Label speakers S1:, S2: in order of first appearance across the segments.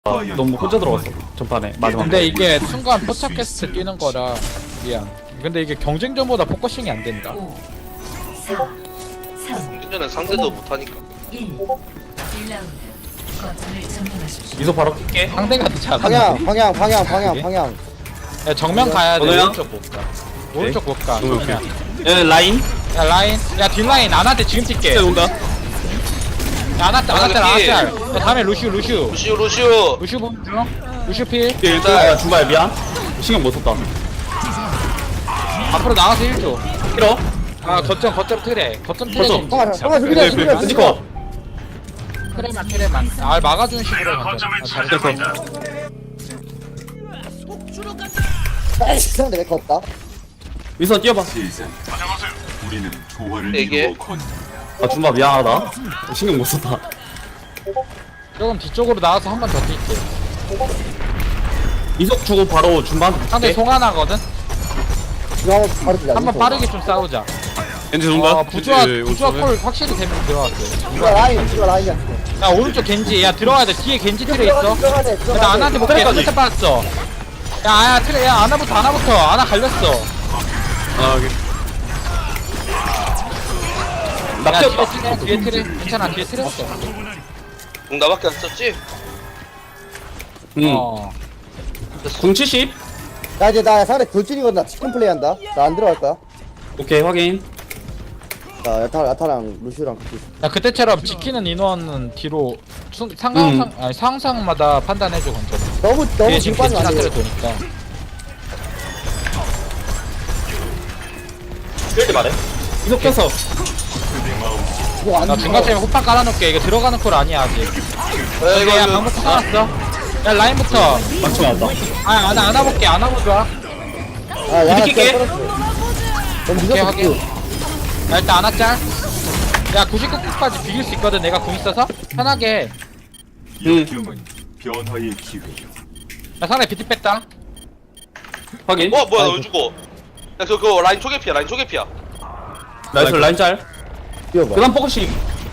S1: 너무 혼자 들어갔어 전판에 마지막.
S2: 근데 이게 순간 포착했을 때 뛰는 거라 미안. 근데 이게 경쟁전보다 포커싱이 안 된다.
S3: 4, 3,
S4: 예전에 상대도 못하니까
S3: 1. 1라운드. 거점을 점령하십시오.
S1: 이소 바로 킬게.
S2: 상대가 더 잘한다.
S5: 방향.
S2: 야, 정면 가야 돼.
S1: 번호야?
S2: 오른쪽 못 가. 오른쪽 못 가.
S1: 오케이,
S2: 정면.
S1: 야 라인.
S2: 야 라인. 야 뒷라인 안한테 지금 뛸게.
S1: 온다.
S2: 야 안한테. 야 다음에 루슈
S4: 루시오
S2: 보는 중. 루슈 필.
S1: 야 중간에 미안. 신경 못 썼다.
S2: 앞으로 나가서 1조.
S1: 싫어.
S2: 아 거점 트레. 거점 트레.
S1: 거점.
S5: 잠깐만 준비돼.
S1: 끈지커.
S2: 트레만. 아 막아주는 식으로 가자. 아, 잘했어.
S5: 상대 내거 없다.
S1: 위선 뛰어봐.
S4: 네개
S1: 아 준바 미안하다. 신경 못 썼다.
S2: 조금 뒤쪽으로 나와서 한 번 더 뛸게.
S1: 이석 주고 바로 준바한테
S2: 상대
S1: 붙게.
S2: 송하나거든.
S5: 이거 한번 바로 뛰자.
S2: 한번 빠르게 좀 싸우자.
S1: 겐지
S2: 부조화 콜 확실히 되면 들어갔어요.
S5: 이거 라인이야.
S2: 야 오른쪽 겐지. 야 들어가야 돼. 뒤에 겐지 트레 있어.
S5: 들어가야 돼.
S2: 나 아나한테 볼게.
S1: 트레까지.
S2: 끝에 빠졌어. 야 트레. 야 아나부터. 아나 갈렸어.
S1: 아 여기.
S2: 야
S1: 낚였다.
S2: 뒤에 트레. 괜찮아. 뒤에 트레 없어.
S4: 공 나밖에 안 썼지?
S1: 응.
S2: 어.
S1: 궁 70.
S5: 나 이제 나 상대 돌진이거든. 나 치킨 플레이한다. 나 안 들어갈 거야.
S1: 오케이 확인.
S5: 나 야타랑 루시랑 같이 있어.
S2: 야 그때처럼 지키는 인원은 뒤로 상황마다 판단해줘 건져.
S5: 너무
S2: 뒤에 지금
S5: 중반이
S2: 겐지나
S5: 안
S2: 트레
S5: 돼.
S2: 도니까.
S1: 이럴 말해. 이석 껴서.
S5: 이거 안
S2: 나
S5: 돼.
S2: 중간쯤에 호판 깔아놓을게. 이거 들어가는 콜 아니야 아직.
S4: 야
S2: 오케이, 야
S4: 이거
S2: 방금 깔았어. 야 라인부터.
S1: 맞춰 맞다.
S2: 아 안아볼게. 안아보자.
S5: 아, 야,
S1: 이렇게
S5: 떨어졌어. 너무
S2: 오케이
S5: 늦었어.
S2: 확인. 야 일단 안아짤. 야 99까지 비길 수 있거든. 내가 궁 있어서 편하게.
S1: 응.
S6: 변화의 기회요.
S2: 야 상대 비트 뺐다.
S1: 확인.
S4: 뭐야 나 왜 죽어 야 그거 라인 초계피야
S1: 나이스 라인 짤.
S5: 뛰어봐.
S1: 그다음 포커싱.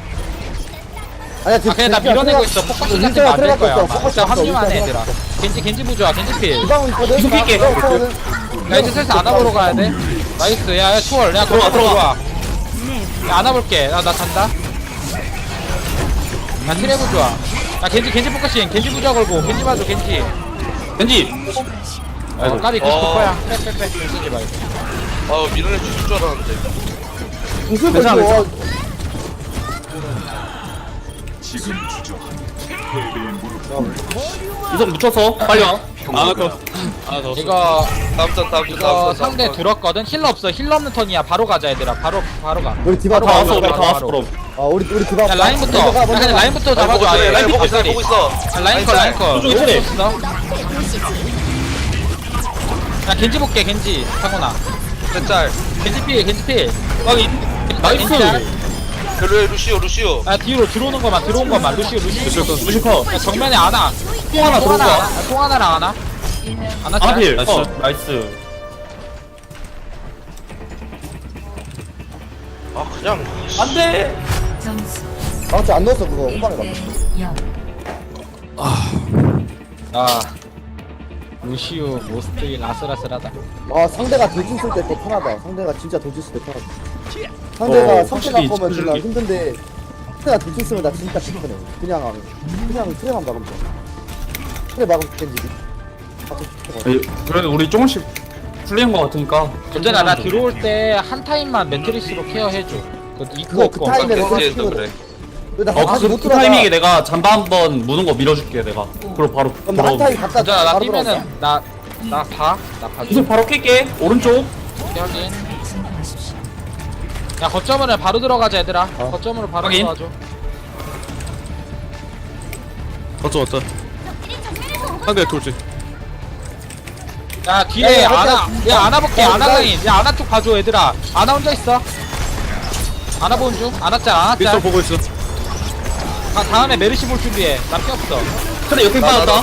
S5: 아니야,
S2: 아 그냥 나 밀어내고 있어. 포커싱 같은 거안 될 거야. 진짜 합류만 해 얘들아. 겐지 부조야. 겐지 필.
S5: 주방 있거든.
S1: 이속 낄게.
S2: 야 이제 슬슬 안아보러 가야 돼. 나이스. 야 초월. 야 들어와. 야 안아볼게. 나 간다. 야 트레브 좋아. 야 겐지 포커싱. 겐지 부조 걸고. 겐지 봐줘 겐지.
S1: 겐지.
S2: 까비 99%야. 빼. 쓰지 말고.
S4: 아 밀어낼 수 있을 줄 알았는데
S5: 무슨
S1: 괜찮아,
S5: 거야?
S6: 지금 주저하면 패배의 무릎.
S1: 이석 묻혀서 빨리 와. 아 그.
S2: 이거
S4: 다음
S2: 상대 들었거든. 힐러 없어. 힐러 없는 턴이야. 바로 가자 얘들아. 바로 가.
S5: 우리 디바
S1: 다
S2: 바로
S1: 왔어.
S2: 바로,
S1: 다 왔어.
S2: 바로.
S1: 그럼.
S5: 우리 디바.
S2: 야 라인부터. 야 근데 라인부터 잡아줘. 아예.
S4: 라인 보고
S2: 발다리.
S4: 있어
S2: 야, 라인 컷.
S1: 저쪽에 트레.
S2: 야 겐지 볼게 겐지. 상훈아.
S4: 짤
S2: 겐지 필.
S1: 확인. 나이스.
S4: 루시오
S2: 야 뒤로 들어오는 것만 들어온 것만. 루시오.
S1: 무시커.
S2: 야, 정면에 아나.
S1: 통 하나 들어온 거야.
S2: 통 하나랑 아나. 아나 짤.
S1: 아필. 나이스.
S4: 아 그냥
S1: 안돼.
S3: 점수
S5: 방치 안 넣었어 그거. 후방에 봐.
S3: 0.
S2: 아 루시오 모스트일 아슬아슬하다.
S5: 아 상대가 돌진 쓸 때 더 편하다. 상대가 진짜 돌진 쓸 때 편하다. 상대가 성체
S1: 확실히
S5: 갖고 오면 존나
S1: 찌르기.
S5: 힘든데 상대가 돌진 쓰면 나 진짜 심하네. 그냥 트레만 막으면 돼. 트레 막으면 겐지기.
S1: 그래도 우리 조금씩 풀리는 거 같으니까.
S2: 언제나 나 들어올 때 한 타임만 매트리스로 케어해줘.
S5: 그거 그 타임에
S4: 겐지에서
S5: 그거
S4: 그래
S5: 나 다시 못
S1: 그
S5: 들어가.
S1: 타이밍에 내가 잠바 한번 무는 거 밀어줄게 내가. 그리고 바로
S5: 그럼 나한 타임 갔다
S2: 언제나 나
S5: 바로
S2: 뛰면은
S5: 들어갈까?
S2: 나 봐줘.
S1: 이제 바로 깰게. 오른쪽.
S2: 오케이, 확인.
S3: 점령하십시오.
S2: 야 거점으로 바로 들어가자 얘들아. 거점으로 바로
S1: 확인.
S2: 들어가줘.
S7: 왔다. 상대 돌지.
S2: 야 뒤에
S5: 야,
S2: 아나. 야 아나 볼게.
S5: 야,
S2: 아나
S5: 나-
S2: 라인. 야 아나 쪽 봐줘 얘들아. 아나 혼자 있어. 아나 보는 중. 아나 짤.
S7: 미스터 보고 있어.
S2: 다음에 메르시 볼 준비해. 나 피 없어.
S1: 그래 옆에 빠졌다.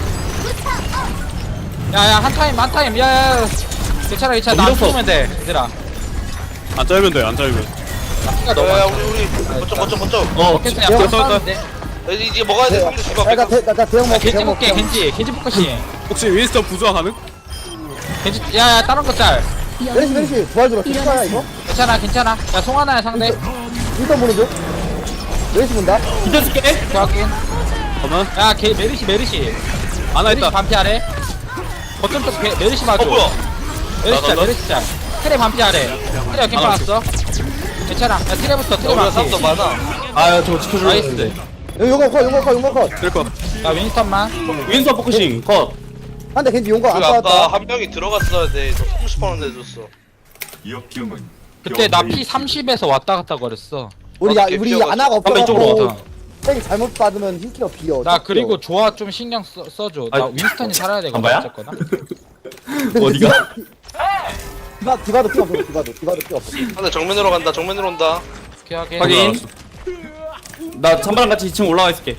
S2: 야야 한 타임. 야야. 괜찮아. 나안
S1: 밀었어.
S2: 죽으면 돼 얘들아.
S7: 안 짧으면 돼. 안 짧으면.
S2: 나 피가 너무
S4: 야
S2: 많아.
S4: 우리 거점
S1: 어.
S2: 어깨 야
S5: 야,
S2: 싸우는데.
S4: 이제 먹어야 돼. 상대 주방
S5: 나
S4: 뺏어.
S5: 대형 먹
S2: 겐지
S5: 대형 먹
S2: 볼게 겐지 포커싱
S7: 혹시 윈스턴 부조화 가능?
S2: 겐지 야야 다른 거짤
S5: 메리시 부활 들어 진짜야 이거?
S2: 괜찮아 야 송하나야 상대
S5: 일단 보는 중 메리시 본다
S1: 비트 쓸게.
S2: 확인
S7: 잠깐만.
S2: 야 메리시
S7: 아나
S2: 메리시
S7: 있다.
S2: 반피 아래 거점 쪽 메리시 봐줘
S4: 뭐야?
S2: 메리시 짤 트레 반피 아래 트레 어깨 빠졌어 괜찮아 야 트레부터 트레
S4: 우리가 사람도
S2: 반피
S4: 많아.
S1: 아, 저거 지켜줘.
S2: 나이스
S5: 여기 용거 컷
S7: 될거
S2: 야 윈스턴만
S1: 윈서 포커싱 컷.
S5: 한대 겐지 용거 안
S4: 우리가 아까
S5: 빠졌다
S4: 한 명이 들어갔어야 돼. 너 30원 내줬어.
S6: 역경은
S2: 그때 나
S6: 변화의
S2: 피 30에서 왔다 갔다 거렸어
S5: 우리
S4: 피어가지고.
S5: 아나가
S1: 한번 이쪽으로
S5: 없어갖고 땡이 잘못 받으면 힐키가 비어
S2: 나 그리고 조화 좀 신경 써줘 나
S1: 아,
S2: 윈스턴이 살아야 되거든
S1: 안 봐요?
S2: 어쨌거나
S1: 어디가?
S5: 디바도 필요 없어 디바도 필요 없어
S4: 상대 정면으로 간다. 정면으로 온다.
S2: 오케이 하게
S1: 확인. 나 찬바랑 같이 2층 올라가 있을게.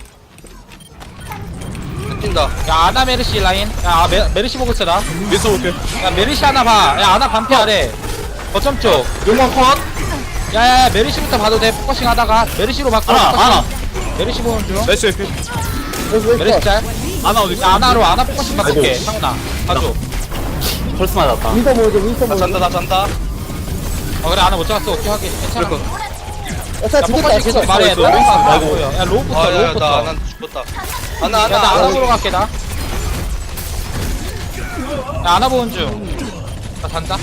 S4: 뛴다.
S2: 야 아나 메르시 라인 야 메르시 보고 있어 나야
S7: 윈스턴 볼게.
S2: 메르시 하나 봐야 아나 반피 아래 거점 쪽
S1: 용광 컷.
S2: 야야야 메르시부터 봐도 돼 포커싱 하다가 메르시로 바꿔
S1: 하나,
S2: 포커싱.
S1: 하나.
S2: 메르시 보는 중
S7: 메시 피.
S2: 메르시 짤
S7: 아나 어디 있어?
S2: 야, 아나로 아나 포커싱 바꿀게
S1: 아이고.
S2: 상훈아 봐줘
S1: 펄스 맞았다.
S5: 윈서 모으죠
S4: 나 잔다. 나 잔다.
S2: 그래 아나 못 잡았어 오케이 하게 괜찮아
S5: 야
S2: 야 포커싱 계속 말해 너 안 보여 야 로우부터
S4: 아, 야,
S2: 로우부터
S4: 나 죽었다.
S2: 야 나 아나 보러 갈게 나. 야 아나 보는 중. 나 잔다.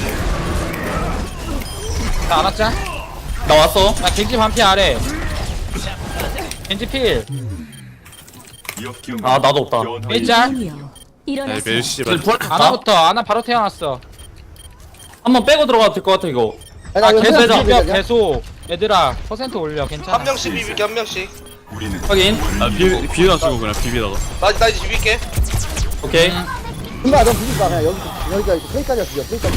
S2: 나 아나 짤.
S1: 나 왔어.
S2: 야 겐지 반피 아래. 겐지 필.
S6: 역경은
S1: 아, 나도 없다.
S6: 변화의
S2: 일짤.
S7: 네 메시 발.
S1: 부활
S2: 아나부터 아나 바로 태어났어.
S1: 한번 빼고 들어가도 될 것 같아 이거.
S2: 아 계속
S1: 빼자.
S2: 비벼 계속. 얘들아 퍼센트 올려
S4: 한
S2: 괜찮아.
S4: 명씩 비비게 한 명씩.
S6: 우리는
S1: 확인.
S7: 아 비비다 쓰고 그냥 비비다가.
S4: 나 이제 비빌게.
S1: 오케이.
S5: 디바 넌 비빌까 그냥 여기가 페이까지가 비벼 페이까지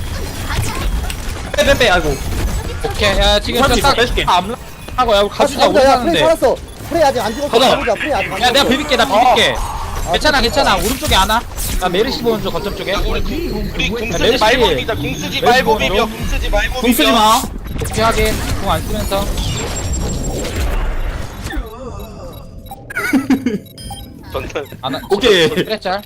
S1: 빼. 아이고.
S2: 오케이 야 지금
S1: 사람들
S2: 저딱
S1: 빼줄게.
S2: 하고 야 가주자 우리
S5: 야 프레이
S2: 사는데.
S5: 살았어 프레이 아직 안 죽었어
S1: 가자.
S5: 가보자 프레이 아직 안
S2: 야 내가
S5: 죽었어
S2: 비빌게 나 비빌게. 괜찮아 오른쪽에 아나. 나 메르시 보는 중 거점 쪽에.
S4: 우리 궁 쓰지
S2: 메르시
S4: 말고
S2: 필.
S4: 비비자. 궁 쓰지
S2: 메르시
S4: 말고
S2: 보는
S4: 비벼.
S2: 중.
S4: 궁 쓰지 말고
S1: 궁 쓰지
S4: 비벼.
S1: 마.
S2: 오케이 하게 궁안 쓰면서.
S4: 전달.
S2: 아나
S1: 오케이.
S2: 그래 짤.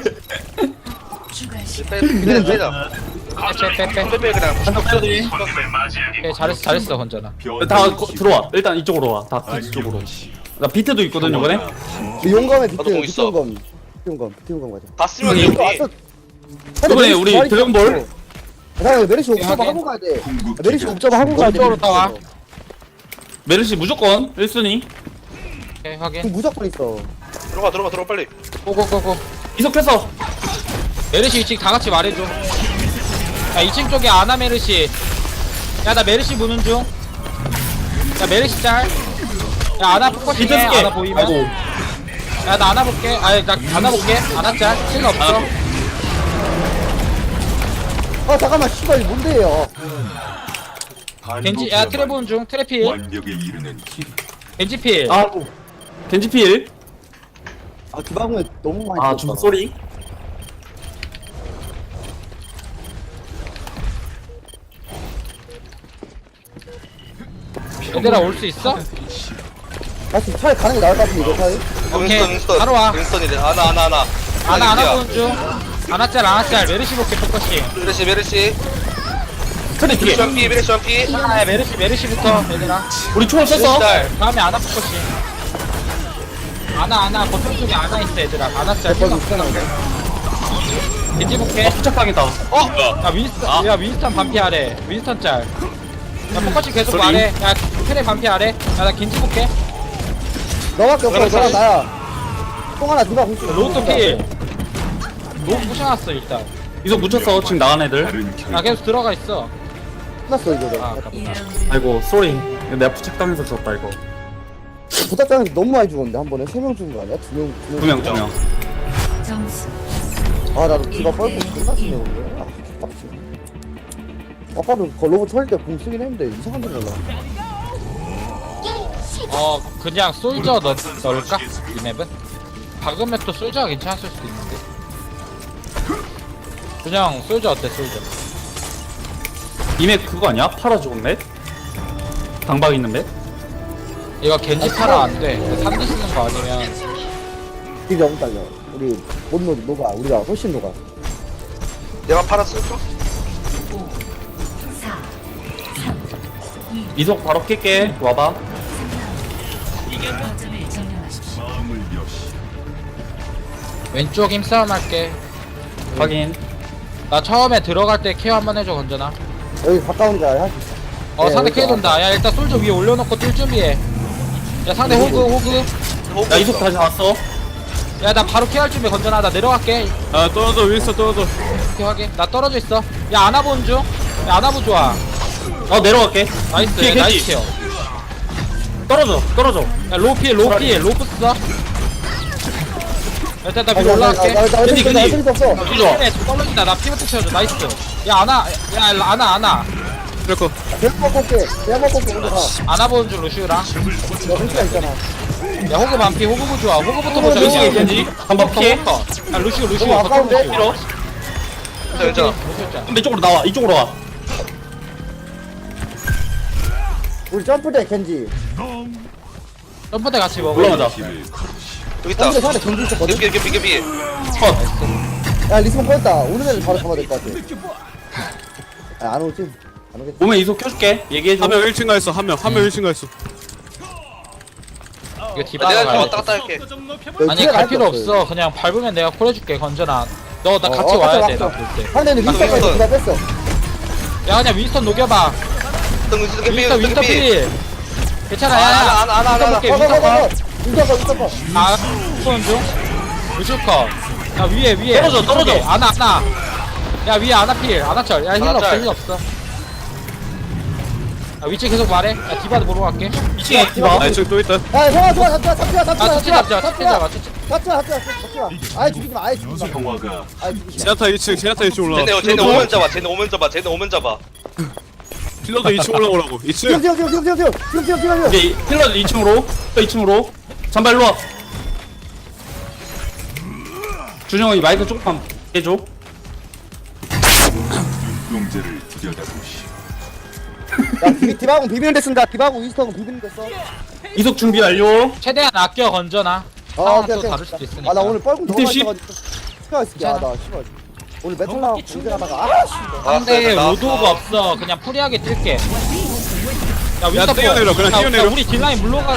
S3: 추가 시간
S4: 그냥 빼자.
S2: 빼.
S4: 빼 그냥.
S2: 오케이 잘했어 혼자나.
S1: 다 들어와. 일단 이쪽으로 와. 다 이쪽으로. 나 비트도 있거든 이번에.
S5: 용검에
S4: 나도
S5: 비트
S4: 공 있어.
S5: 비트용검 가자
S4: 다 쓰면
S1: 여기.
S4: 여기.
S1: 이번에 우리 드래곤볼.
S5: 야 메리시 옥저버
S2: 하게.
S5: 하고 가야 돼 메리시 옥저버 하고 가야 돼
S2: 옥저버로 따와.
S1: 메르시 무조건 1순위.
S2: 오케이 확인.
S5: 지금 무조건 있어
S4: 들어가 빨리.
S2: 고고고고.
S1: 이석해서.
S2: 메르시 위치 다 같이 말해줘. 야 2층 쪽에 아나 메르시. 야 나 메르시 보는 중. 야 메르시 짤. 야 아나
S1: 비트
S2: 포커싱해
S1: 쓸게.
S2: 아나 보이면.
S1: 아이고.
S2: 야 나 아나 볼게. 아니 나 아나 볼게. 아나 짤. 실가 없어.
S5: 잠깐만 씨발 이거 뭔데요
S2: 겐지 야 트레 보는 중. 트레필.
S6: 완벽에 이르는 길.
S2: 겐지 필.
S1: 아. 겐지필.
S5: 디바공에 너무 많이
S1: 아, 좀 소리.
S2: 얘들아 올 수 있어?
S5: 다시 차라리 가는 게 나을 것 같은데 이거 차라리
S2: 오케이.
S4: 윈스턴.
S2: 바로 와.
S4: 윈스턴이래. 아나.
S2: 아나 보는 중. 아나 짤. 메르시 볼게 포커싱.
S4: 메르시.
S1: 트레 뒤에.
S4: 메르시 한 피.
S2: 아 메르시부터 얘들아.
S1: 우리 초월 썼어.
S2: 다음에 아나 포커싱. 아나 거점 쪽에 아나 있어 얘들아. 아나 짤.
S5: 거기 있잖아
S2: 겐지 볼게.
S1: 부착당했다.
S2: 야 윈스턴 반피 아래. 윈스턴 짤. 야 포커싱 계속
S1: 소리.
S2: 말해. 야 트레 반피 아래. 야 나 겐지 볼게.
S5: 너밖에 없어
S4: 그럼
S5: 너랑
S4: 사실-
S5: 나야 통 하나 디바 공수
S2: 로또 필. 로우 부셔놨어 일단.
S1: 이석 묻혔어. 지금 나간 애들.
S6: 다른 결
S2: 야 계속 들어가 있어.
S5: 끝났어 이거
S2: 아 아깝다.
S3: 2라운드
S1: 아이고, 쏘리. 내가 부착당해서 졌다 이거.
S5: 부탁장에서 너무 많이 죽었는데 한 번에 3명 죽은 거 아니야? 2명
S1: 2명.
S3: 점수
S5: 나도 디바 뻘고 끝났었네 오늘 빡치 아까도 로봇 털때 공 쓰긴 했는데 이상한 데 몰라
S2: 그냥 솔저 넣을까? 이 맵은? 박으면 또 솔저가 괜찮았을 수도 있는데. 그냥 솔저 어때 솔저?
S1: 이맥 그거 아니야? 팔아 죽은 맵? 당박 있는 맵?
S2: 이거 겐지 타라 안돼. 산디 쓰는 거 아니면
S5: 딜이 너무 딸려. 우리 못 녹아. 우리가 훨씬 녹아.
S4: 내가 팔았어.
S3: 5, 4,
S1: 이속 바로 낄게. 와봐.
S3: 거점을 점령하십시오.
S6: 마음을 여시.
S2: 왼쪽 힘싸움 할게.
S1: 확인.
S2: 나 처음에 들어갈 때 케어 한번 해줘 건전아.
S5: 여기 가까운데 할수 있어.
S2: 상대
S5: 여기
S2: 케어 돈다. 야 일단 솔저 위에 올려놓고 뛸 준비해. 야 상대 호그.
S1: 나 이속 다시 왔어.
S2: 야 나 바로 케어할 준비 건전아. 나 내려갈게.
S7: 아 떨어져 윈스턴 떨어져.
S2: 오케이 확인. 나 떨어져 있어. 야 아나본 중. 야 아나보 좋아.
S1: 내려갈게.
S2: 나이스.
S1: 뒤에
S2: 나이스
S1: 겐지.
S2: 케어.
S1: 떨어져.
S2: 야 로필 로프 써. 일단 나 위로 올라갈게.
S5: 나
S1: 겐지,
S5: 어쩔
S1: 겐지.
S5: 수 없어.
S1: 뒤져.
S2: 떨어진다. 나 피부터 채워줘. 나이스. 야 아나.
S7: 그래고
S5: 계속 먹고 올게. 계속 먹고 올게. 먼저 가.
S2: 아나 보는 중 루시우랑.
S5: 너 혼자 있잖아.
S2: 야 호그 반피. 호그부 좋아. 호그부터 보자.
S5: 호그
S1: 겐지 겐지. 한번 피해.
S2: 야 루시우
S5: 너무 아까운데?
S2: 루시우.
S1: 밀어.
S4: 괜찮아.
S1: 근데 이쪽으로 나와. 이쪽으로 와.
S5: 우리 점프대 겐지.
S2: 점프대 같이 먹어.
S1: 올라가자.
S4: 여기 있다.
S5: 점프대 상대 겐지 있었거든.
S4: 개피.
S1: 컷.
S5: 야 리스폰 꺼냈다. 오는 애는 바로 잡아야 될 것 같아. 안 오지? 안 오겠지?
S1: 오면 이속 켜줄게. 얘기해줘.
S7: 한 명 1층 가 있어. 한 명 1층 가 있어.
S2: 이거
S4: 내가
S2: 디바가
S4: 좀
S2: 가야
S4: 왔다
S2: 돼.
S4: 갔다 할게.
S5: 여기
S2: 아니
S5: 뒤에
S2: 갈
S5: 나갈
S2: 필요
S5: 게 없어요.
S2: 없어. 그냥 밟으면 내가 콜해줄게 건전아. 너 나 같이
S5: 어,
S2: 와야
S5: 맞다,
S2: 돼. 나
S5: 맞다.
S2: 볼 때.
S5: 상대는 윈스턴까지
S4: 윈스턴.
S5: 다 뺐어.
S2: 야 그냥 윈스턴 녹여봐. 윈스턴 필. 괜찮아. 야.
S4: 안.
S2: 윈스턴 컷.
S5: 윈스턴 거.
S2: 아 쏘는 중. 루시우 컷. 야 위에.
S1: 떨어져.
S2: 아나. 야 위에 아나필. 아나철. 야 힐 없어.
S4: 아나철.
S2: 힐 없어. 야 위치 계속 말해. 야 디바도 보러 갈게.
S1: 2층에 디바.
S7: 아 2층 또 있다.
S5: 야 좋아.
S2: 아 투치 잡자.
S5: 아예 죽이지 마. 아예 죽이지 마.
S6: 평화가
S5: 아예 죽이지 마.
S7: 제나타 2층. 제나타 2층 올라가.
S4: 쟤네 오면 잡아. 쟤네 오면 잡아.
S7: 킬러도 2층 올라오라고. 2층.
S5: 지금.
S1: 이제 힐러 2층으로. 또 2층으로. 잠발 일로 와. 준영이 마이크 조금만 해줘.
S6: 용제를 들여다보시.
S5: 야 디바공 비비는 데 쓴다. 디바공 윈스턴 비비는 데 써.
S1: 이속 준비 완료.
S2: 최대한 아껴 건져놔. 상황 또 다를 수도 있으니까.
S5: 아나 오늘 뻘궁 너무
S1: 씨.
S5: 많이 쳐가지고 시간 있을게. 아나 씨발. 오늘 메탈라 공격하다가
S2: 상대 로드오가 없어. 그냥 프리하게 뛸게. 야 윈스턴
S7: 뛰어내려, 그냥 뛰어내려.
S2: 우리 딜라인 물러가.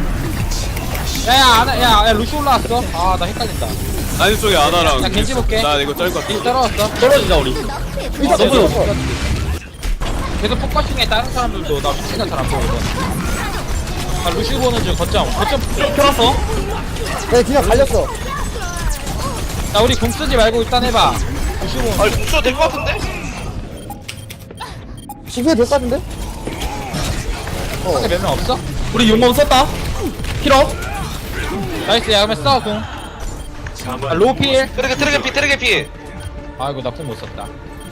S2: 야 루시 올라왔어. 아 나 헷갈린다.
S7: 아니 쪽에 아나랑.
S2: 야, 겐지 볼게.
S7: 나 이거 짤 것 같아.
S2: 딜 떨어졌어.
S1: 떨어지자 우리.
S2: 계속 포커싱해. 다른 사람들도 나 위치가 잘 안 보거든. 아 루시 보는 중 거점
S1: 켜놨어.
S5: 내가 그냥 갈렸어.
S2: 야 우리 공 쓰지 말고 일단 해봐. 루시 보는 중.
S4: 아니 공수가 될것 같은데?
S5: 지금 될것 같은데?
S2: 상대 몇 명 없어?
S1: 우리 용검 썼다. 힐업.
S2: 나이스. 야 그러면 써 공. 아 로필.
S4: 트랙피.
S2: 아이고 나 공 못 썼다.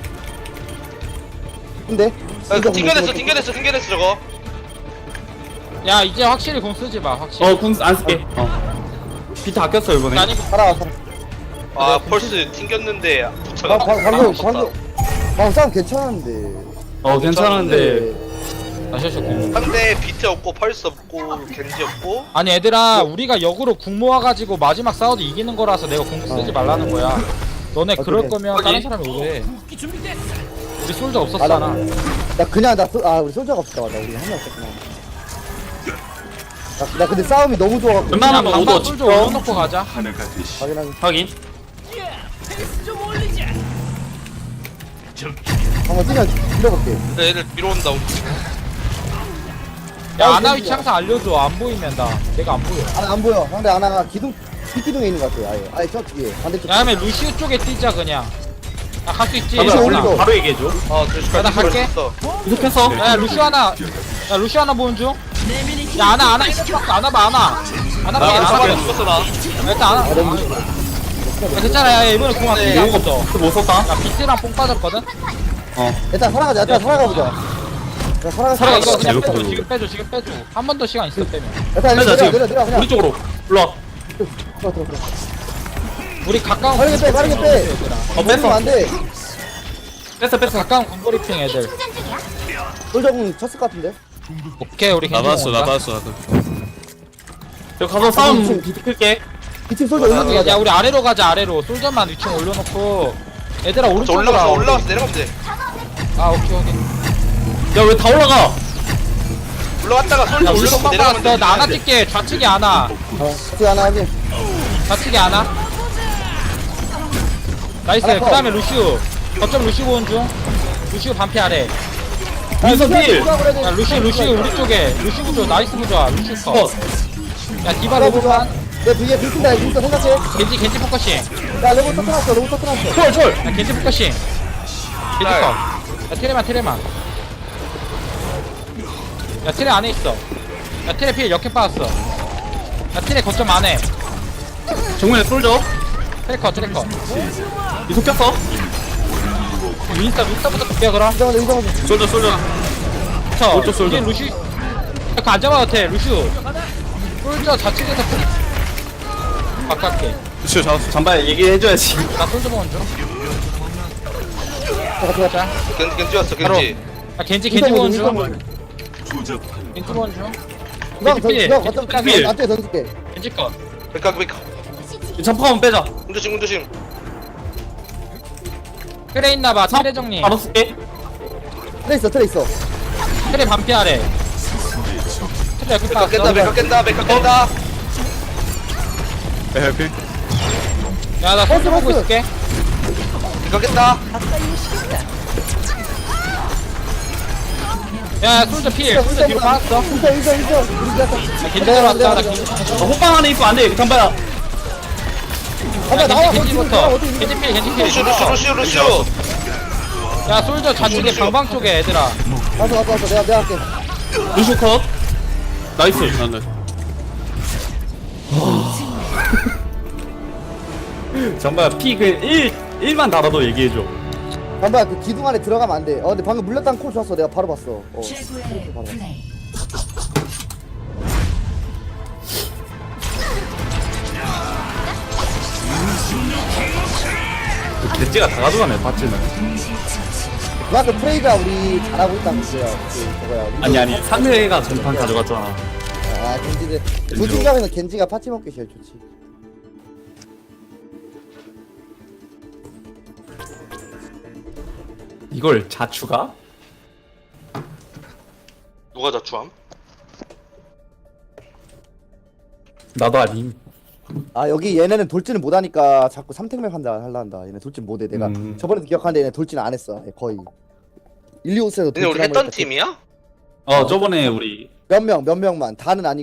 S5: 근데?
S4: 튕겨냈어 저거.
S2: 야 이제 확실히 공 쓰지 마. 확실히.
S1: 궁안 쓸게. 비트 아꼈어 이번에.
S2: 아니
S5: 살아.
S4: 아 펄스 튕겼는데 붙여가.
S5: 방금 싸움 괜찮았는데.
S1: 괜찮은데.
S2: 나 실수 공.
S4: 상대 비트 없고 펄스 없고 겐지 없고.
S2: 아니 얘들아 우리가 역으로 궁 모아가지고 마지막 싸워도 이기는 거라서 내가 궁 쓰지 말라는 거야. 너네 그럴
S5: 그래.
S2: 거면 다른 사람이 오래. 우리 솔저 없었잖아.
S5: 우리 솔저가 없다. 맞아. 우리 한명 없었구나. 나 근데 싸움이 너무 좋아갖고.
S1: 웬만하면
S2: 그냥
S1: 오더
S2: 방방 솔저
S1: 찍죠.
S2: 올려놓고 가자.
S6: 하나가 되시.
S5: 확인하기.
S1: 확인.
S5: 한번 뛰어볼게.
S4: 얘들 뒤로 온다.
S2: 야 아나 위치 항상 알려줘. 안 보이면 나 내가 안 보여.
S5: 안 보여. 상대 하나가 뒷기둥에 있는 것 같아. 아예 저 뒤에. 반대쪽.
S2: 야 그러면 루시우 쪽에 뛰자 그냥. 야 갈 수 있지.
S1: 잠깐만,
S5: 올리고.
S2: 몰라.
S1: 바로 얘기해줘.
S2: 야, 나 갈게.
S1: 이속했어.
S2: 야 루시우 하나. 야 루시우 하나 보는 중. 야 아나 아나 봐 아나. 아나 봐
S1: 나
S2: 아나 봐.
S4: 죽었어 나.
S2: 일단 아나. 야, 괜찮아. 야 이번에 궁 앞에
S1: 용검
S2: 없어.
S1: 못 썼다.
S2: 야 비트랑 뽕 빠졌거든.
S5: 일단 살아가자. 살아가보자. 야,
S2: 야
S1: 살아가,
S2: 이거 그냥
S1: 살아가.
S2: 빼줘. 지금 빼줘. 한 번 더 시간 있어 빼면.
S5: 일단
S1: 빼자 지금.
S5: 내려 그냥.
S1: 우리 쪽으로. 일로 와.
S5: 들어.
S2: 우리 가까운
S5: 빠르게 빼.
S2: 얘들아.
S5: 뺐어. 안 돼.
S1: 뺐어.
S2: 가까운 군거리핑 애들.
S5: 솔저공 쳤을 것 같은데.
S2: 오케이 우리
S7: 나
S2: 괜찮아.
S7: 봤어.
S1: 여기 가서 싸움 비틀게.
S5: 2층 솔져 올라가
S2: 야
S5: 가자.
S2: 우리 아래로 가자 아래로. 솔저만 위층 올려놓고 얘들아
S4: 저
S2: 오른쪽으로
S4: 올라갔어
S2: 와.
S4: 올라갔어 내려가면 돼.
S2: 아 오케이 오케이.
S1: 야 왜 다 올라가?
S4: 올라갔다가 솔
S2: 야
S4: 올려놓고
S2: 올려놓고
S4: 내려가면 돼.
S2: 나 하나 찍게. 좌측이 하나.
S5: 그 하나 하긴.
S2: 좌측이 하나. 나이스. 그 다음에 루시우. 거점 루시우 보는 중. 루시우 반피 아래.
S1: 민서 필.
S2: 야 루시우 우리 쪽에. 루시우 부조 나이스 부조아. 루시우 컷.
S1: 컷.
S2: 야 디바 로봇만.
S5: 내 뒤에 빈다 빈다 생각해.
S2: 겐지 포커싱.
S5: 야 로봇 터트났어 로봇 터트났어.
S1: 철.
S2: 야 겐지 포커싱. 겐지 컷. 야 테레만. 야 테레 안에 있어. 야 테레 필 역행 빠졌어. 야 테레 거점 안에.
S1: 정면에 쏠져.
S2: 테레 컷.
S1: 이속 꼈어.
S2: 윈스터부터 볼게요 그럼.
S5: 이정은
S7: 솔져 오른쪽 솔져.
S2: 이제 루시. 그거 안 잡아도 돼 루시우. 솔저 좌측에서 가깝게.
S7: 루시오 잡았어.
S1: 잠발 얘기해줘야지.
S2: 나 솔저 보는 중.
S5: 자.
S4: 겐지 왔어
S2: 바로.
S4: 겐지.
S2: 야 겐지 보는 중.
S6: 조잡한
S2: 겐지 보는 중.
S5: 그럼
S2: 겐지 필.
S5: 너 어떤
S1: 필.
S5: 나한테 던질게.
S2: 겐지 컷.
S4: 백각
S1: 잠깐만 빼자.
S4: 운조심.
S2: 트레 있나봐. 트레 정리.
S1: 바로 쓸게.
S5: 트레 있어.
S2: 트레 반피 아래. 트레 옆에
S4: 백각 깬다
S2: 빠졌어.
S4: 백각 깬다.
S7: 해피.
S2: 야나 솔저 보고 있을게.
S4: 백각 깬다.
S2: 야 솔저 필. 솔저 뒤로 빠졌어.
S5: 인정. 우리 갔다.
S2: 겐지 들어왔다. 나 겐지.
S1: 호빵 안에 있으면 안 돼. 잠발야.
S5: 가자 나와.
S2: 겐지부터. 겐지 필.
S4: 루시오.
S2: 야 솔저 좌측에 방방 쪽에 얘들아.
S5: 왔어. 내가 할게.
S1: 루슈 컷. 나이스.
S7: 나는.
S1: 잠발야 피그 1만 달아도 얘기해줘.
S5: 잠깐 그 기둥 안에 들어가면 안 돼. 근데 방금 물렸다는 콜 좋았어. 내가 바로 봤어.
S3: 최고의 플레이.
S1: 겐지가 다 가져가네 봤지는.
S5: 그만큼 프레이가 우리 잘하고 있다는 거야. 그거야.
S1: 아니 상대가 전판 가져갔잖아.
S5: 아 겐지들 조진감에는 겐지가 파티 먹기 제일 좋지.
S1: 이걸 자추가?
S4: 누가 자추함?
S1: 나도 아님.
S5: 아 여기 얘네는 돌진을 못하니까 자꾸 삼택맵 할라 한다. 얘네 돌진 못해. 내가 저번에도 기억하는데 얘네 돌진 안 했어. 거의. 1, 2, 5세도
S4: 근데 우리 했던 팀이야?
S1: 저번에 우리
S5: 몇 명만 다는 아니고